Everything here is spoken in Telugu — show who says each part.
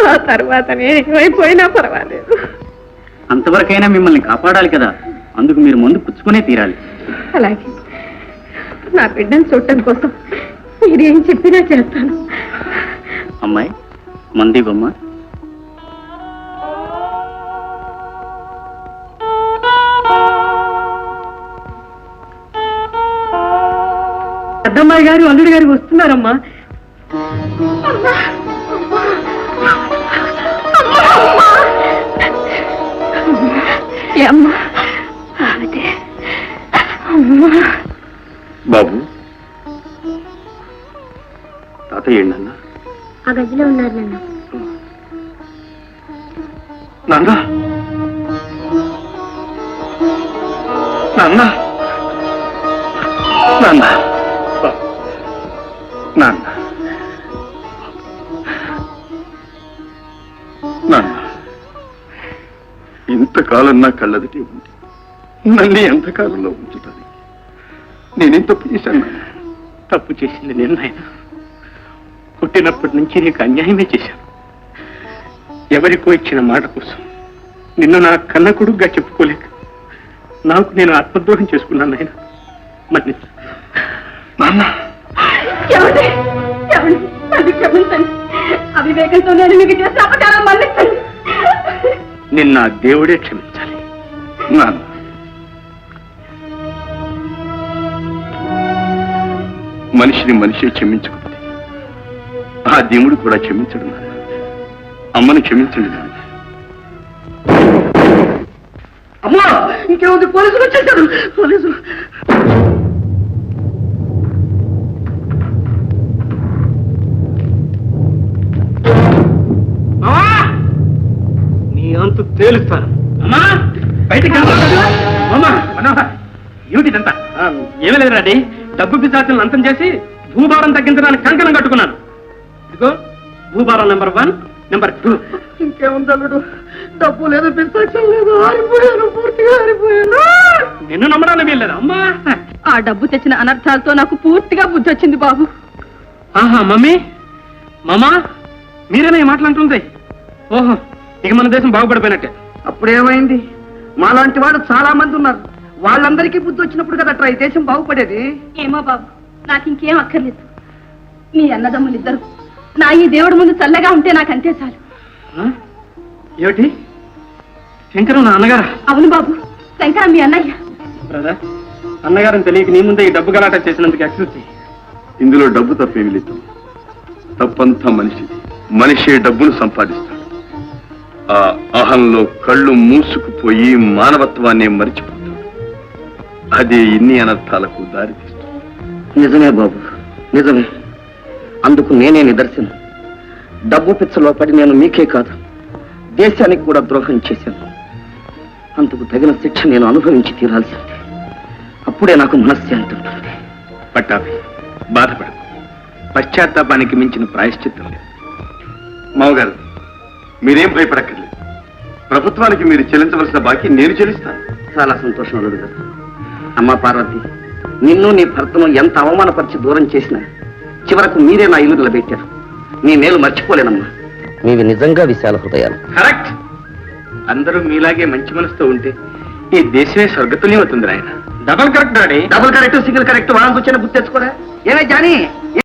Speaker 1: ఆ తర్వాత నేను ఏమైపోయినా పర్వాలేదు.
Speaker 2: అంతవరకైనా మిమ్మల్ని కాపాడాలి కదా, అందుకు మీరు ముందు పుచ్చుకునే తీరాలి.
Speaker 1: అలాగే నా బిడ్డను చూడటం కోసం మీరేం చెప్పినా చేస్తాను.
Speaker 2: అమ్మాయి మంది బొమ్మ.
Speaker 1: పెద్దమ్మాయి గారు అల్లుడి గారు వస్తున్నారమ్మా.
Speaker 2: బాబు తాతయ్య ఏంటన్నా?
Speaker 3: ఆ గదిలో ఉన్నారు
Speaker 2: నాన్న. నాన్న నాన్న నాన్న నాన్న ఇంతకాలం నా కళ్ళదిటి ఉంది. నన్ను ఎంతకాలంలో ఉంచుతాను? నేనేం తప్పు చేశాను? తప్పు చేసింది నేను నాయన. పుట్టినప్పటి నుంచి నీకు అన్యాయమే చేశాను. ఎవరికో ఇచ్చిన మాట కోసం నిన్ను నా కన్న కొడుకుగా చెప్పుకోలేక నాకు నేను ఆత్మద్రోహం చేసుకున్నాను ఆయన. మన్నించు నాన్న.
Speaker 1: అవివేకంతో నేను మీకు చేసిన అపకారం మన్నించండి.
Speaker 2: నిన్న దేవుడే క్షమించాలి నాన్న. మనిషిని మనిషి క్షమించకపోతే ఆ దేవుడు కూడా క్షమించడు నాన్న. అమ్మని క్షమించండి నాన్న.
Speaker 1: అమ్మా ఇంకేముంది, పోలీసులు వచ్చేసారు. పోలీసులు
Speaker 2: నీ అంతు తేలుస్తాను. అమ్మా బయటికి ఏమిటిదంతా? ఏమీ లేదు రాడి, డబ్బు పిశాచులను అంతం చేసి భూభారం తగ్గించడానికి కంకణం కట్టుకున్నాను. ఇదిగో భూభారం నెంబర్ 1, నెంబర్ 2.
Speaker 1: ఇంకేముంది అల్లుడు, డబ్బు లేదు, పిస్తాక్షం లేదు, ఆరిపోయాను, పూర్తిగా ఆరిపోయాను.
Speaker 2: నిన్ను నమ్మడానికి వీల్లేదు అమ్మా.
Speaker 1: ఆ డబ్బు తెచ్చిన అనర్థాలతో నాకు పూర్తిగా బుద్ధి వచ్చింది బాబు.
Speaker 2: ఆహా మమ్మీ, మామా మీరేనా ఈ మాట్లాడుతుంది? ఓహో, ఇక మన దేశం బాగుపడిపోయినట్టే.
Speaker 1: అప్పుడేమైంది? మాలాంటి వాళ్ళు చాలా మంది ఉన్నారు. వాళ్ళందరికీ బుద్ధి వచ్చినప్పుడు కదా ఈ దేశం బాగుపడేది. ఏమో బాబు, నాకు ఇంకేం అక్కర్లేదు. మీ అన్నదమ్ములు ఇద్దరు నా ఈ దేవుడి ముందు చల్లగా ఉంటే నాకు అంతే చాలు.
Speaker 2: ఏమిటి? శంకరం నా అన్నగారా?
Speaker 1: అవును బాబు, శంకరం మీ అన్నయ్య.
Speaker 2: బ్రదర్, అన్నగారని తెలియక నీ ముందే ఈ డబ్బు గలాట చేసినందుకు ఎక్స్క్యూజ్. ఇందులో డబ్బు తప్పేమి లేదు. తప్పంతా మనిషి డబ్బును సంపాదిస్తాడు. ఆ అహంలో కళ్ళు మూసుకుపోయి మానవత్వాన్ని మరిచిపోతాడు. అది ఇన్ని అనర్థాలకు దారితీస్తుంది.
Speaker 4: నిజమే బాబు, నిజమే. అందుకు నేనే నిదర్శనం. డబ్బు పిచ్చలో పడి నేను మీకే కాదు, దేశానికి కూడా ద్రోహం చేశాను. అందుకు తగిన శిక్ష నేను అనుభవించి తీరాల్సిందే. అప్పుడే నాకు మనశ్శాంతి ఉంటుంది.
Speaker 2: పట్టాభి, బాధపడకు. పశ్చాత్తాపానికి మించిన ప్రాయశ్చిత్తం లేదు. మావగారు, మీరేం భయపడక్కర్లేదు. ప్రభుత్వానికి మీరు చెల్లించవలసిన బాకీ నేను చెల్లిస్తాను.
Speaker 4: చాలా సంతోషం అల్లుడు గారు. అమ్మా పార్వతి, నిన్ను నీ భర్తను ఎంత అవమానపరిచి దూరం చేసినా చివరకు మీరే నా ఇల్లు నిలబెట్టారు. మీ మేలు మర్చిపోలేనమ్మా. మీవి నిజంగా విశాల హృదయాలు.
Speaker 2: కరెక్ట్. అందరూ మీలాగే మంచి మనసుతో ఉంటే ఈ దేశమే స్వర్గతుల్యం అవుతుంది. ఆయన double correct daddy.
Speaker 4: Double correct, single correct వాళ్ళకి వచ్చిన గుర్తు తెచ్చుకోరా. ఏమే జానీ?